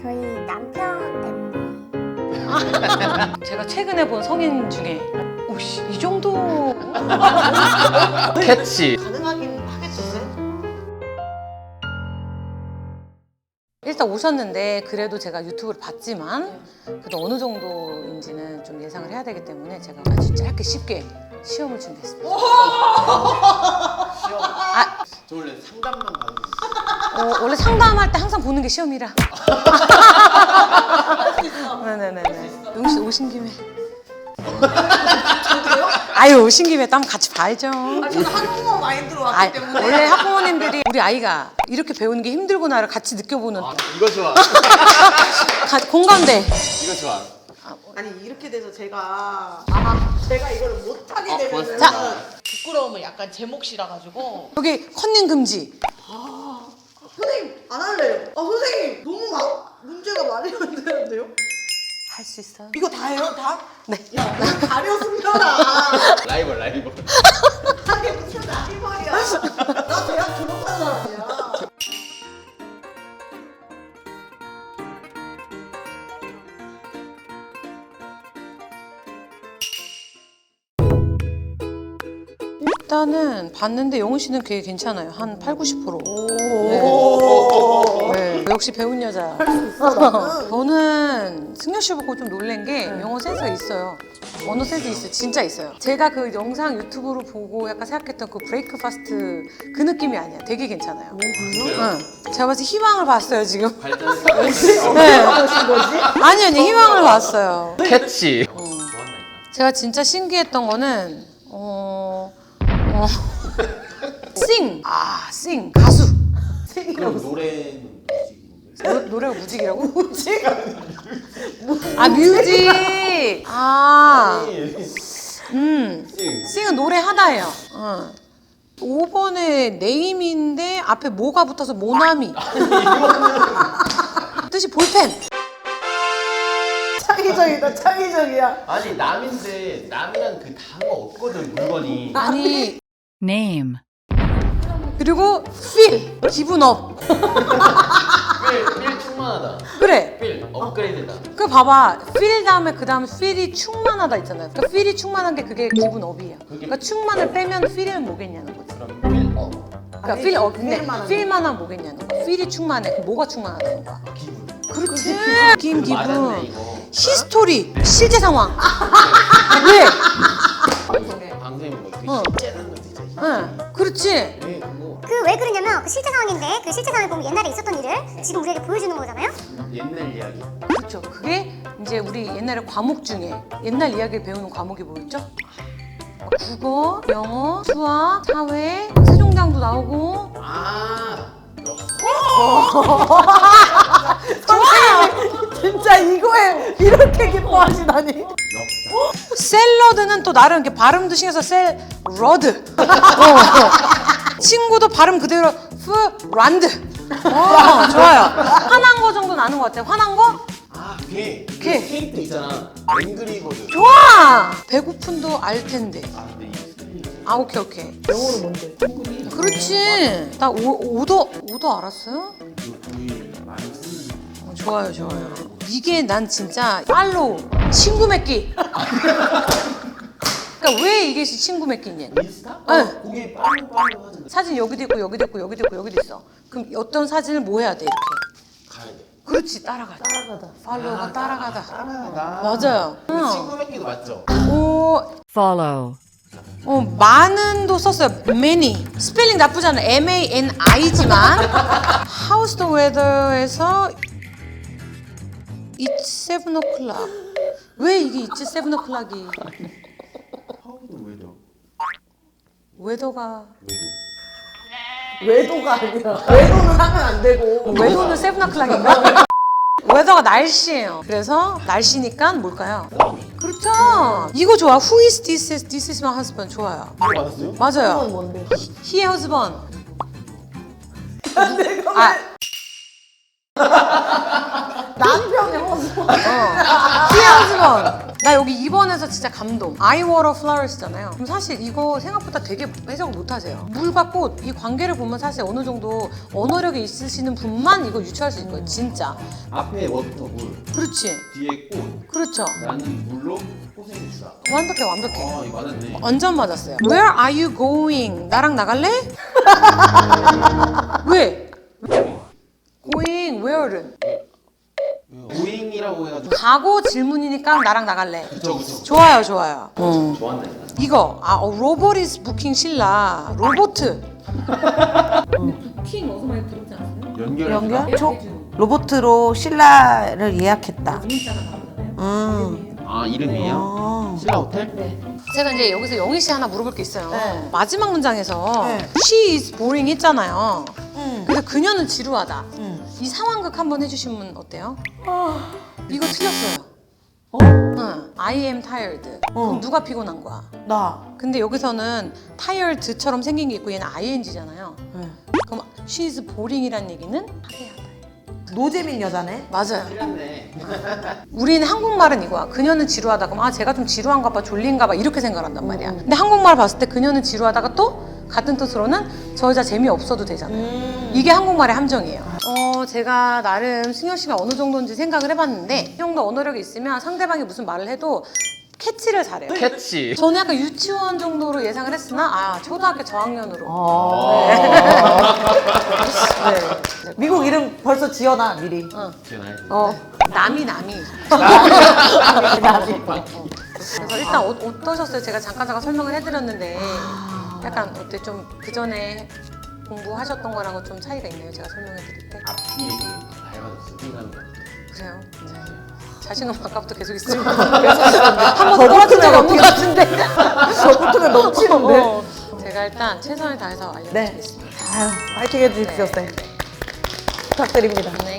저희 남편 MV. 제가 최근에 본 성인 중에 오씨 이 정도 캐치. 가능하긴 하겠죠. 일단 오셨는데 그래도 제가 유튜브를 봤지만 그래도 어느 정도인지는 좀 예상을 해야 되기 때문에 제가 아주 짧게 쉽게 시험을 준비했습니다. 저 원래 상담만 받는 거. 원래 상담할 때 항상 보는 게 시험이라. 네네네네. 용씨 오신 김에. 아유 오신 김에 또 한번 같이 봐야죠. 저는 한국어 마인드로 왔기 때문에. 원래 학부모님들이 우리 아이가 이렇게 배우는 게 힘들구나를 같이 느껴보는 이거 좋아. 공감대. 이거 좋아. 아니 이렇게 돼서 제가 이걸 못하게 되면 벌써? 자. 부끄러움을 약간 제 몫이라 가지고. 여기 컨닝 금지. 선생님 안 할래요. 선생님 너무 문제가 많이 만드는데요? 할 수 있어요. 이거 다예요? 다? 네. 야, 나 가려 숨겨라. 라이벌. 아니 무슨 라이벌이야. 나 대학 졸업한 사람이야. 일단은 봤는데 영훈 씨는 되게 괜찮아요. 한 8, 90%. 오. 네. 역시 배운 여자. 저는 승려 씨 보고 좀 놀란 게 영어 센스가 있어요. 언어 센스 있어요. 진짜 있어요. 제가 그 영상 유튜브로 보고 약간 생각했던 그 브레이크 파스트 그 느낌이 아니야. 되게 괜찮아요. 응. 제가 봤을 때 희망을 봤어요 지금. 발전했어. 네. 아니 희망을 봤어요. 캐치. 제가 진짜 신기했던 거는 싱. 싱. 가수. 그럼 노래는 노래가 무직이라고? 무직? 뮤직. 싱은 노래하다예요. 5번에 네임인데 앞에 뭐가 붙어서 모나미. 뜻이 볼펜. 창의적이다, 창의적이야. 아니 남인데 남이란 그 단어 없거든 물건이. 아니 Name. 그리고 feel 기분 업. 필 충만하다. 그래. 필 업그레이드다. 그 봐봐 feel 다음에 그 다음 feel이 충만하다 있잖아요. 그러니까 feel이 충만한 게 그게 기분 업이에요. 그러니까 충만을 빼면 feel은 뭐겠냐는 거지. 그럼 필 업. 그러니까 feel 업 근데 feel만 feel만 하면 뭐겠냐는 거야. feel이 충만해. 그럼 뭐가 충만하다는 거야. 기분. 그렇지. 기분. 맞았네 이거. 히스토리 실제 상황. 왜? 방송이 뭐 되게 어. 째는 거 진짜. 응. 그렇지. 왜 그거 그 왜 그러냐면 그 실제 상황인데 그 실제 상황을 보면 옛날에 있었던 일을 지금 우리에게 보여주는 거잖아요. 옛날 이야기. 그렇죠. 그게 이제 우리 옛날에 과목 중에 옛날 이야기를 배우는 과목이 뭐였죠? 국어, 영어, 수학, 사회, 세종대왕도 나오고. 진짜 이거에 이렇게 기뻐하시다니. 샐러드는 또 나름 이렇게 발음도 신경써 샐러드. 친구도 발음 그대로 프란드. 좋아요. 화난 거 정도는 아는 것 같아요. 화난 거? 걔. 걔. 캐릭터 있잖아. 앵그리거든. 좋아. 배고픈도 알 텐데. 근데 이 스펠링. 오케이. 영어로 뭔데? 그렇지. 나 오도 알았어요? 우리 많이 쓰는. 좋아요. 이게 난 진짜 팔로우 친구 맺기. 그러니까 왜 이게 친구 맺기냐? 인스타? 네. 거기 빠르고 하잖아. 사진 여기도 있고 여기도 있고 여기도 있고 여기도 있어. 그럼 어떤 사진을 뭐 해야 돼 이렇게? 가야 돼. 그렇지 따라가자. 팔로우가 따라가다. 따라가다. 맞아요. 친구 맺기도 맞죠? Follow. 많은도 썼어요. many. 스펠링 나쁘지 않아. MANI지만 How's the weather에서 It's 7 o'clock. 왜 이게 It's 7 o'clock이? 하우도 왜죠? 웨더가 외도가 아니라 외도는 하면 안 되고. 웨더는 7 o'clock인가? 웨더가 날씨예요. 그래서 날씨니까 뭘까요? 그렇죠. 이거 좋아. Who is this? This is my husband. 좋아요. 이거 맞았어요? 맞아요. 뭔데? He husband. 내가 남편의 허수. He husband. 나 여기 2번에서 진짜 감동. I water flowers잖아요. 그럼 사실 이거 생각보다 되게 해석을 못하세요. 물과 꽃 이 관계를 보면 사실 어느 정도 언어력이 있으시는 분만 이거 유추할 수 있는 거예요. 진짜. 앞에 뭐부터 물, 그렇지. 뒤에 꽃. 그렇죠. 나는 물로 꽃을 주다. 완벽해 완벽해. 아, 이거 맞았네. 완전 맞았어요. Where are you going? 나랑 나갈래? 왜? Going where는? 고잉이라고 해가지고. 가고 질문이니까 나랑 나갈래. 그쵸, 그쵸. 좋아요 좋아요. 좋았네. 이거 로봇 is booking 신라. 로보트. 부킹 어디서 많이 들었지 않았어요? 연결? 로보트로 신라를 예약했다. 문자가 나오잖아요. 아, 이름이에요? 신라 호텔? 제가 이제 여기서 영희 씨 하나 물어볼 게 있어요. 네. 마지막 문장에서 네. she is boring 했잖아요. 응. 그래서 그녀는 지루하다. 응. 이 상황극 한번 해주시면 어때요? 이거 틀렸어요. 응. I am tired. 그럼 누가 피곤한 거야? 나. 근데 여기서는 tired처럼 생긴 게 있고 얘는 ing잖아요. 응. 그럼 she is boring이란 얘기는 하대하다. 노재민 여자네. 맞아요. 틀렸네. 우리는 한국말은 이거야. 그녀는 지루하다. 그럼 제가 좀 지루한가 봐, 졸린가 봐 이렇게 생각한단 말이야. 근데 한국말 봤을 때 그녀는 지루하다가 또 같은 뜻으로는 저 여자 재미없어도 되잖아요. 이게 한국말의 함정이에요. 제가 나름 승현 씨가 어느 정도인지 생각을 해봤는데 이 정도 언어력이 있으면 상대방이 무슨 말을 해도 캐치를 잘해요. 캐치. 저는 약간 유치원 정도로 예상을 했으나 초등학교 저학년으로. 네. 미국 이름 벌써 지어놔 미리. 지나야지. 남이. 그래서 일단 어떠셨어요? 제가 잠깐 설명을 해드렸는데 약간 어때 좀 그 전에 공부하셨던 거랑은 좀 차이가 있나요? 제가 설명해드릴 때. 앞뒤에 닮아졌어. 생각하는 거. 그래요? 자신감 아까부터 계속 있으면 한번 떨어진 적 없는 것 같은데. 저부터는 넘치는데. 제가 일단 최선을 다해서 알려드리겠습니다. 아유, 파이팅 해주십시오, 쌤. 부탁드립니다. 네.